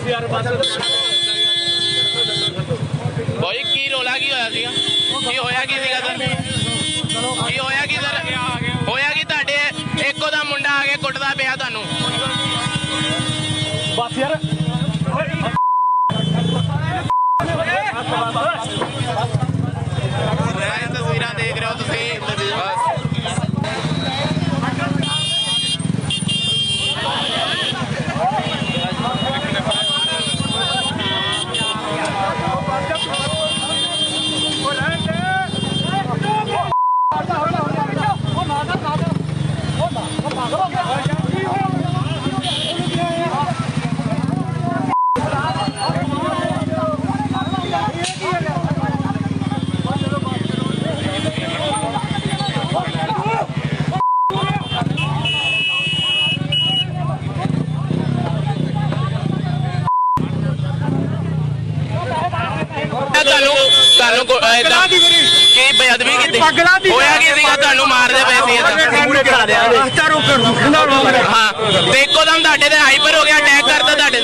भाई की रोला की होया सीगा की होया की सीगा सर की होया की सर होया की तुहाडे इक्को दा मुंडा आ के कुटदा पिया तुहानू बस यार तस्वीर देख रहे हो तुसीं बेअदबी की होया की सीगा तुहानू मारदे पए सी हां ते इक्को दम तुहाडे ते हाइपर हो गया अटैक करता तुहाडे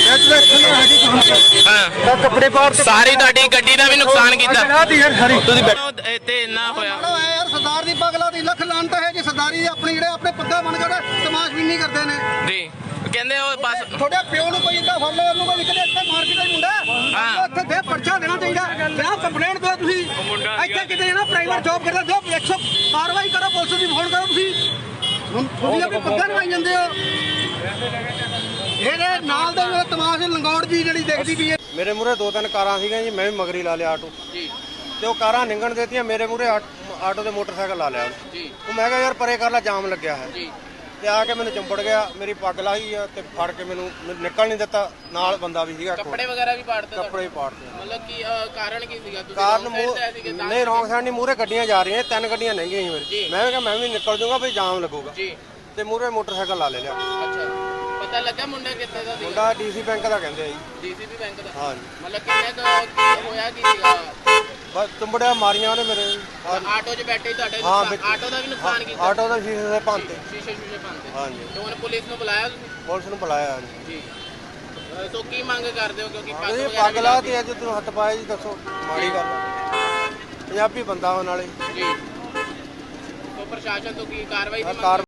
हां कपड़े पार सारी तुहाडी गड्डी दा भी नुकसान कीता तुसीं इत्थे इन्ना होया यार सरदार दी पगला दी लख लानत है जी सरदारी अपने जेड़े अपने पग्गा बन के तमाशबीनी करदे ने जी ਕਹਿੰਦੇ ਉਹ ਬਸ ਤੁਹਾਡੇ ਪਿਓ ਨੂੰ ਕੋਈ ਇਦਾਂ ਫੜ ਲਿਆ ਉਹਨੂੰ ਕੋਈ ਨਿਕਲੇ ਇੱਥੇ ਮਾਰ ਕੇ ਦਾ ਮੁੰਡਾ ਉੱਥੇ ਦੇ ਪਰਚਾ ਦੇਣਾ ਚਾਹੀਦਾ ਜਾਂ ਕੰਪਲੇਂਟ ਦਿਓ ਤੁਸੀਂ ਇੱਥੇ ਕਿਤੇ ਨਾ ਪ੍ਰਾਈਵੇਟ ਜੌਬ ਕਰਦਾ ਜੋ 100 ਕਾਰਵਾਈ ਕਰੋ ਪੁਲਿਸ ਦੀ ਫੋਨ ਕਰੋ ਤੁਸੀਂ ਤੁਸੀਂ ਆਪਣੇ ਪੱਗਾਂ ਨਵਾਈ ਜਾਂਦੇ ਹੋ ਇਹਦੇ ਨਾਲ ਦੇ ਤਮਾਸ਼ ਲੰਗੌੜ ਜੀ ਜਿਹੜੀ ਦੇਖਦੀ ਵੀ ਹੈ ਮੇਰੇ ਮੂਰੇ 2-3 ਕਾਰਾਂ ਸੀਗੀਆਂ ਜੀ ਮੈਂ ਵੀ ਮਗਰੀ ਲਾ ਲਿਆ ਆਟੋ ਜੀ ਤੇ ਉਹ ਕਾਰਾਂ ਨਿੰਗਣ ਦੇਤੀਆਂ ਮੇਰੇ ਮੂਰੇ ਆਟੋ ਦੇ ਮੋਟਰਸਾਈਕਲ ਲਾ ਲਿਆ ਜੀ ਉਹ ਮੈਂ ਕਿਹਾ ਯਾਰ ਪਰੇ ਕਰ ਲੈ ਜਾਮ ਲੱਗਿਆ ਹੈ ਜੀ ਤੇ ਆ ਕੇ ਮੈਨੂੰ ਚੰਬੜ ਗਿਆ ਮੇਰੀ ਪੱਗ ਲਾਹੀ ਆ ਤੇ ਫੜ ਕੇ ਮੈਨੂੰ ਨਿਕਲ ਨਹੀਂ ਦਿੱਤਾ ਨਾਲ ਬੰਦਾ ਵੀ ਸੀਗਾ ਕੱਪੜੇ ਵਗੈਰਾ ਵੀ ਪਾੜਦੇ ਕੱਪੜੇ ਪਾੜਦੇ ਮਤਲਬ ਕੀ ਕਾਰਨ ਕੀ ਸੀਗਾ ਤੁਸੀਂ ਕਾਰਨ ਨਹੀਂ ਰੌਂਗ ਸਾਈਡ ਨਹੀਂ ਮੂਰੇ ਗੱਡੀਆਂ ਜਾ ਰਹੀਆਂ 3 ਗੱਡੀਆਂ ਲੰਘੀਆਂ ਸੀ ਮੇਰੇ ਮੈਂ ਕਿਹਾ ਮੈਂ ਵੀ ਨਿਕਲ ਜਾਊਂਗਾ ਵੀ ਜਾਮ ਲੱਗੂਗਾ ਜੀ ਤੇ ਮੂਰੇ ਮੋਟਰਸਾਈਕਲ ਲਾ ਲਿਆ ਅੱਛਾ ਪਤਾ ਲੱਗਾ ਮੁੰਡਾ ਕਿੱਥੇ ਦਾ ਸੀ ਮੁੰਡਾ ਡੀਸੀ ਬੈਂਕ ਦਾ ਕਹਿੰਦੇ ਆ ਜੀ ਡੀਸੀਪੀ ਬੈਂਕ ਦਾ ਹਾਂ ਜੀ ਮਤਲਬ ਕਿੰਨੇ ਹੋਇਆ ਕੀ ਸੀਗਾ ਬਸ ਚੰਬੜਿਆ ਮਾਰੀਆਂ ਉਹਨੇ ਮੇਰੇ ਆਟੋ 'ਚ ਬੈਠੇ ਤੁਹਾਡੇ ਆਟੋ ਦਾ ਵੀ ਨੁਕਸਾਨ ਕੀਤਾ ਆਟੋ ਦਾ ਸ਼ੀਸ਼ੇ ਦੇ ਭੰਨਤੇ ਸ਼ੀਸ਼ੇ ਭੰਨਤੇ ਹਾਂ ਜੀ ਤੇ ਹੁਣ ਪੁਲਿਸ ਨੂੰ ਬੁਲਾਇਆ ਤੁਸੀਂ ਪੁਲਿਸ ਨੂੰ ਬੁਲਾਇਆ ਜੀ ਸੋ ਕੀ ਮੰਗ ਕਰਦੇ ਹੋ ਕਿਉਂਕਿ ਪੱਗ ਲਾ ਤੇ ਅੱਜ ਤੂੰ ਹੱਥ ਪਾਇਆ ਜੀ ਦੱਸੋ ਮਾੜੀ ਗੱਲ ਪੰਜਾਬੀ ਬੰਦਾ ਹੋਣ ਵਾਲੇ ਜੀ ਸੋ ਪ੍ਰਸ਼ਾਸਨ ਤੋਂ ਕੀ ਕਾਰਵਾਈ ਦੀ ਮੰਗ